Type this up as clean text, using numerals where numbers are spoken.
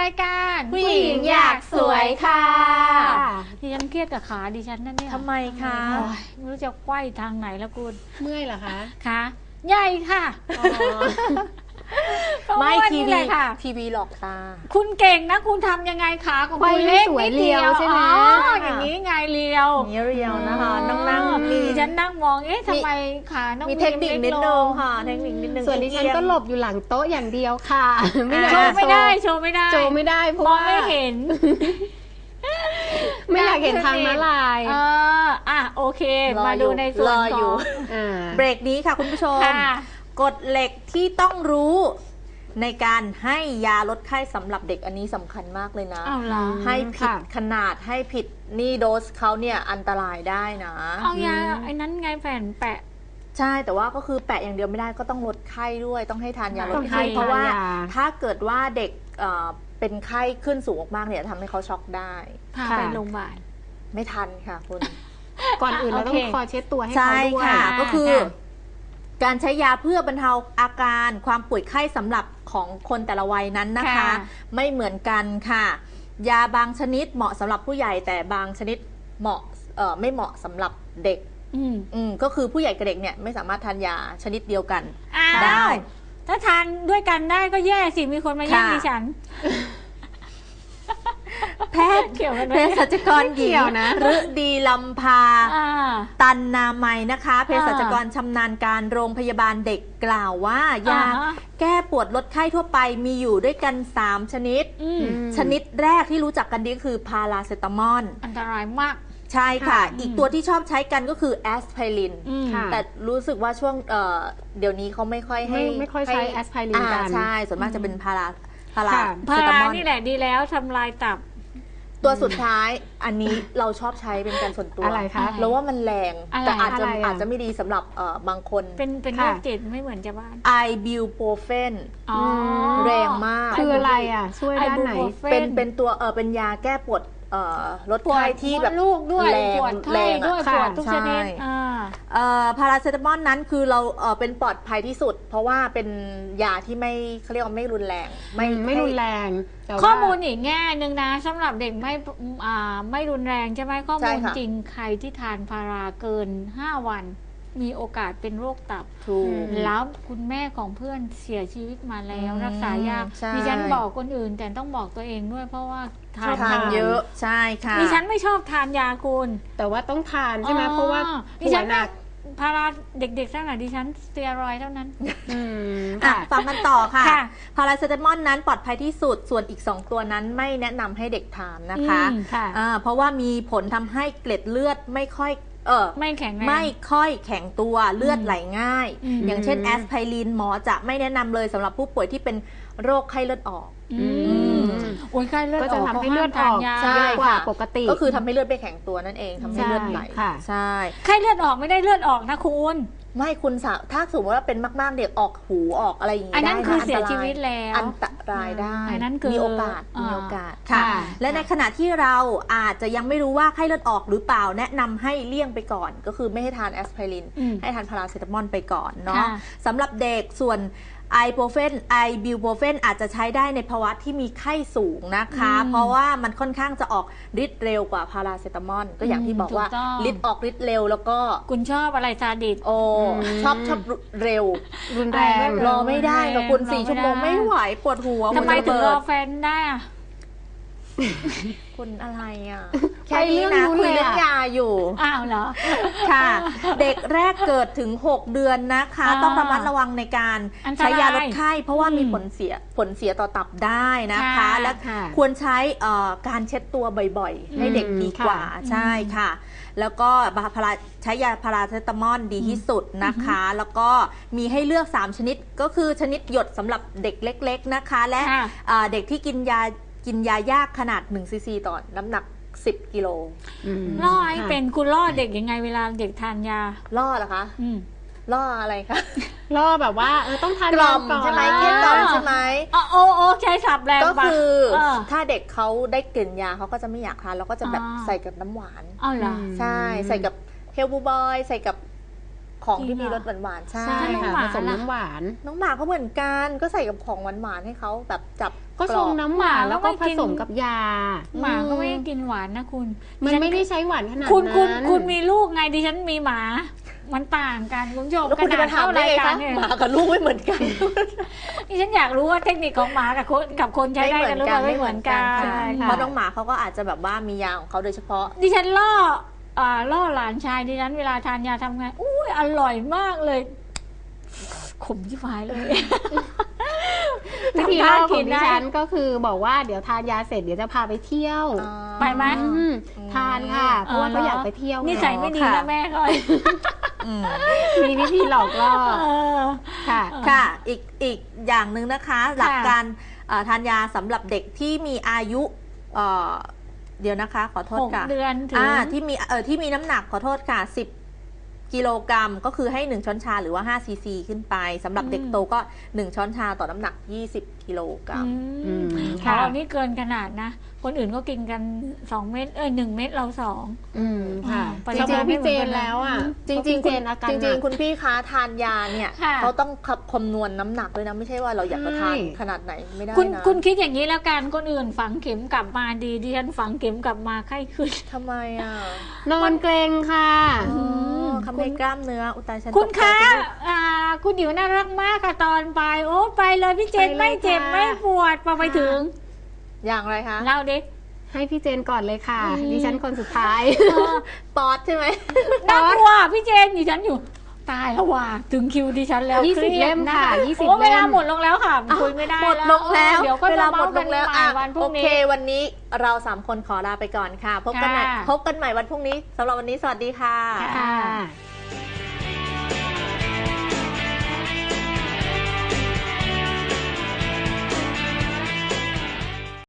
ายการผู้หญิงอยากสวยค่ะดิฉันเครียดกับขาดิฉันนั่นเนี่ยทำไมคะไม่รู้จะไขว้ทางไหนแล้วคุณเมื่อยเหรอคะขาใหญ่ค่ะไม่ทีวีหลอกตาคุณเก่งนะคุณทำยังไงขาของคุณเล็กสวยเรียวใช่ไหมอย่างนี้ไงเรียวนี่เรียวนะคะนั่งดิฉันนั่งมองทำไมขาน้องมีเทคนิคนิดนึงค่ะเทคนิคนิดนึงส่วนดิฉันก็หลบอยู่หลังโต๊ะอย่างเดียวค่ะโชว์ไม่ได้เพราะมองว่าไม่เห็นไม่อยากเห็นทางม้าลายโอเคมาดูในส่วนของเบรกนี้ค่ะคุณผู้ชมกฎเหล็กที่ต้องรู้ในการให้ยาลดไข้สำหรับเด็กอันนี้สำคัญมากเลยนะให้ผิดขนาดให้ผิดนี่โดสเขาเนี่ยอันตรายได้นะเอายาไอ้นั้นไงแผ่นแปะใช่แต่ว่าก็คือแปะอย่างเดียวไม่ได้ก็ต้องลดไข้ด้วยต้องให้ทานยาลดไข้เพราะว่าถ้าเกิดว่าเด็กเป็นไข้ขึ้นสูงมากๆเนี่ยทำให้เขาช็อกได้พาไปโรงพยาบาลไม่ทันค่ะคุณก่อนอื่นเราต้องคอยเช็ดตัวให้เขาด้วยก็คือการใช้ยาเพื่อบรรเทาอาการความป่วยไข้สำหรับของคนแต่ละวัยนั้นนะคะไม่เหมือนกันค่ะยาบางชนิดเหมาะสำหรับผู้ใหญ่แต่บางชนิดไม่เหมาะสำหรับเด็กก็คือผู้ใหญ่กับเด็กเนี่ยไม่สามารถทานยาชนิดเดียวกันได้ถ้าทานด้วยกันได้ก็แย่สิมีคนมาแย่งดิฉันแพทย์เภสัชกรหญิงฤดีลำพาตันนามัยนะคะเภสัชกรชำนาญการโรงพยาบาลเด็กกล่าวว่ายาแก้ปวดลดไข้ทั่วไปมีอยู่ด้วยกัน3ชนิดชนิดแรกที่รู้จักกันดีคือพาราเซตามอลอันตรายมากใช่ค่ะอีกตัวที่ชอบใช้กันก็คือแอสไพรินแต่รู้สึกว่าช่วงเดี๋ยวนี้เขาไม่ค่อยใช้แอสไพรินกันใช่ส่วนมากจะเป็นพารานี่แหละดีแล้วทำลายตับตัวสุดท้ายอันนี้เราชอบใช้เป็นการส่วนตัวอะไรคะแล้วว่ามันแรงแต่อาจจะไม่ดีสำหรับบางคนเป็นโรคจิตไม่เหมือนจะบ้านไอบิวโปรเฟนแรงมากคืออะไรช่วยด้านไหนเป็นตัวเป็นยาแก้ปวดลดไข้ที่แบบลูกด้วยปวดไข้ด้วยปวดทุกชนิดพาราเซตามอลนั้นคือเราเป็นปลอดภัยที่สุดเพราะว่าเป็นยาที่ไม่เขาเรียกว่าไม่รุนแรงไม่รุนแรงข้อมูลอีกแง่หนึ่งนะสำหรับเด็กไม่รุนแรงใช่ไหมข้อมูลจริงใครที่ทานพาราเกิน5 วันมีโอกาสเป็นโรคตับแล้วคุณแม่ของเพื่อนเสียชีวิตมาแล้วรักษายากดิฉันบอกคนอื่นแต่ต้องบอกตัวเองด้วยเพราะว่าทานเยอะใช่ค่ะดิฉันไม่ชอบทานยาคุณแต่ว่าต้องทานใช่ไหมเพราะว่าดิฉันหนักพาราเด็กๆทั้งหลายดิฉันสเตียรอยด์เท่านั้นฟังกันต่อค่ะพาราเซตามอลนั้นปลอดภัยที่สุดส่วนอีก2ตัวนั้นไม่แนะนำให้เด็กทานนะคะเพราะว่ามีผลทำให้เกล็ดเลือดไม่ค่อยไม่แข็งไม่ค่อยแข็งตัวเลือดไหลง่ายอย่างเช่นแอสไพรินหมอจะไม่แนะนำเลยสำหรับผู้ป่วยที่เป็นโรคไข้เลือดออกไข้เลือดออกก็จะทำให้เลือดออกเยอะกว่าปกติก็คือทำให้เลือดไม่แข็งตัวนั่นเองทำให้เลือดไหลใช่ไข้เลือดออกไม่ได้เลือดออกนะคุณไม่คุณถ้าสมมติว่าเป็นมากๆเด็กออกหูออกอะไรอย่างนี้ได้อันนั้นคือเสียชีวิตแล้วอันตรายได้มีโอกาสค่ะและในขณะที่เราอาจจะยังไม่รู้ว่าไข้เลือดออกหรือเปล่าแนะนำให้เลี่ยงไปก่อนก็คือไม่ให้ทานแอสไพรินให้ทานพาราเซตามอลไปก่อนเนาะสำหรับเด็กส่วนไอบิวโปรเฟนอาจจะใช้ได้ในภาวะที่มีไข้สูงนะคะเพราะว่ามันค่อนข้างจะออกฤทธิ์เร็วกว่าพาราเซตามอลก็อย่างที่บอกว่าฤทธิ์ออกฤทธิ์เร็วแล้วก็คุณชอบอะไรซาดิสชอบเร็วรุนแรงรอไม่ได้กับคุณ4 ชั่วโมงไม่ไหวปวดหัวทำไมถึงรอแฟนได้คุณอะไรแค่นี้นะคุยเรื่องยาอยู่อ้าวเหรอค่ะเด็กแรกเกิดถึง6 เดือนนะคะต้องระมัดระวังในการใช้ยาลดไข้เพราะว่ามีผลเสียต่อตับได้นะคะและควรใช้การเช็ดตัวบ่อยๆให้เด็กดีกว่าใช่ค่ะแล้วก็ใช้ยาพาราเซตามอลดีที่สุดนะคะแล้วก็มีให้เลือก3 ชนิดก็คือชนิดหยดสำหรับเด็กเล็กๆนะคะและเด็กที่กินยายากขนาด1 ซีซีต่อน้ำหนัก10 กิโลล่อให้เป็นคุณล่อเด็กยังไงเวลาเด็กทานยาล่อเหรอคะล่ออะไรคะล่อแบบว่าต้องทานกล่อมใช่ไหมเกลี้ยกล่อมใช่ไหมโอ้ใช้สับแรงก็คือถ้าเด็กเขาได้กลิ่นยาเขาก็จะไม่อยากทานเราก็จะแบบใส่กับน้ำหวานเหรอใช่ใส่กับเฮลบูบอยใส่กับขของที่มีรสหวานๆใช่ใช่น้องค่ะหมาผสมล่ะน้ำหวานน้องหมาก็เหมือนกันก็ใส่กับของหวานๆให้เขาแบบจับก็ชงน้ำหวานแล้วก็ผสมกับยาหมาก็ไม่ได้กินหวานนะคุณมันไม่ได้ใช้หวานขนาดคุณนั้นคุณมีลูกไงดิฉันมีหมา มันต่างกันคุณผู้ชมแล้วคุณจะมาถามได้ไงคะเนี่ยหมากับลูกไม่เหมือนกันดิฉันอยากรู้ว่าเทคนิคของหมากับคนใช้ได้กันหรือเปล่าไม่เหมือนกันใช่ค่ะเพราะน้องหมาเขาก็อาจจะแบบว่ามียาของเขาโดยเฉพาะดิฉันล่อหลานชายดิฉันเวลาทานยาทำไงอุ้ยอร่อยมากเลย ขมชิบหายเลยวิธีทำล่ท่าอขกิองนดิได้ฉันก็คือบอกว่าเดี๋ยวทานยาเสร็จเดี๋ยวจะพาไปเที่ยวไปไหมทานค่ะเพราะว่าเขาอยากไปเที่ยวนิสัยไม่ดีค่ะนะแม่ก็มีวิธีหลอกล่อเออค่ะค่ะอีกอย่างหนึ่งนะคะ หลักการทานยาสำหรับเด็กที่มีอายุเดี๋ยวนะคะขอโทษค่ะ 6 เดือนถึงที่มีน้ำหนักขอโทษค่ะ10 กิโลกรัมก็คือให้1ช้อนชาหรือว่า5ซีซีขึ้นไปสำหรับเด็กโตก็1ช้อนชาต่อน้ำหนัก20 กิโลกรัมอืมค่ะค่ะนี่เกินขนาดนะ คนอื่นก็กินกัน2 เม็ด1 เม็ดเรา2 อืมค่ะปจริมาณริงๆพี่เจนแล้วอ่ะจริงพี่เจนอาการจหรินังกๆคุณพี่คะทานยาเนี่ยค่ะเขาต้องคำนวณน้ำหนักด้วยนะไม่ใช่ว่าเราอยากจะทานใช่ขนาดไหนไม่ได้คุณนะคุณคิดอย่างนี้แล้วกันคนอื่นฝังเข็มกลับมาดีดิฉันฝังเข็มกลับมาไข้ขึ้นทำไมอ่ะนอนเกรงค่ะทำให้กล้ามเนื้ออุยตายฉันคุณตกใจคะไปด้วยคุณดิวน่ารักมากค่ะตอนไปโอ้ไปเลยพี่เจนไปเลยไม่เจ็บค่ะไม่ปวดพอไปถึงอย่างไรคะเล่าดิให้พี่เจนก่อนเลยค่ะ ดิฉันคนสุดท้ายปอดใช่ไหมน่ากลัวพี่เจนดิฉันอยู่ตายแล้วว่ะถึงคิวดิฉันแล้ว 20 ครียดเล่มค่ะน 20 โอ้เวลาเล่มหมดลงแล้วค่ะคุยไม่ได้หมดลงแล้วเดี๋ยวก็เวจะลาหมเมาดส์ลกันงแล้วใหม่วันพรุ่โอง เคนี้วันนี้เรา3คนขอลาไปก่อนค่ะ พบกันใหม่ค่ะพบกันใหม่วันพรุ่งนี้สำหรับวันนี้สวัสดีค่ะค่ะค่ะ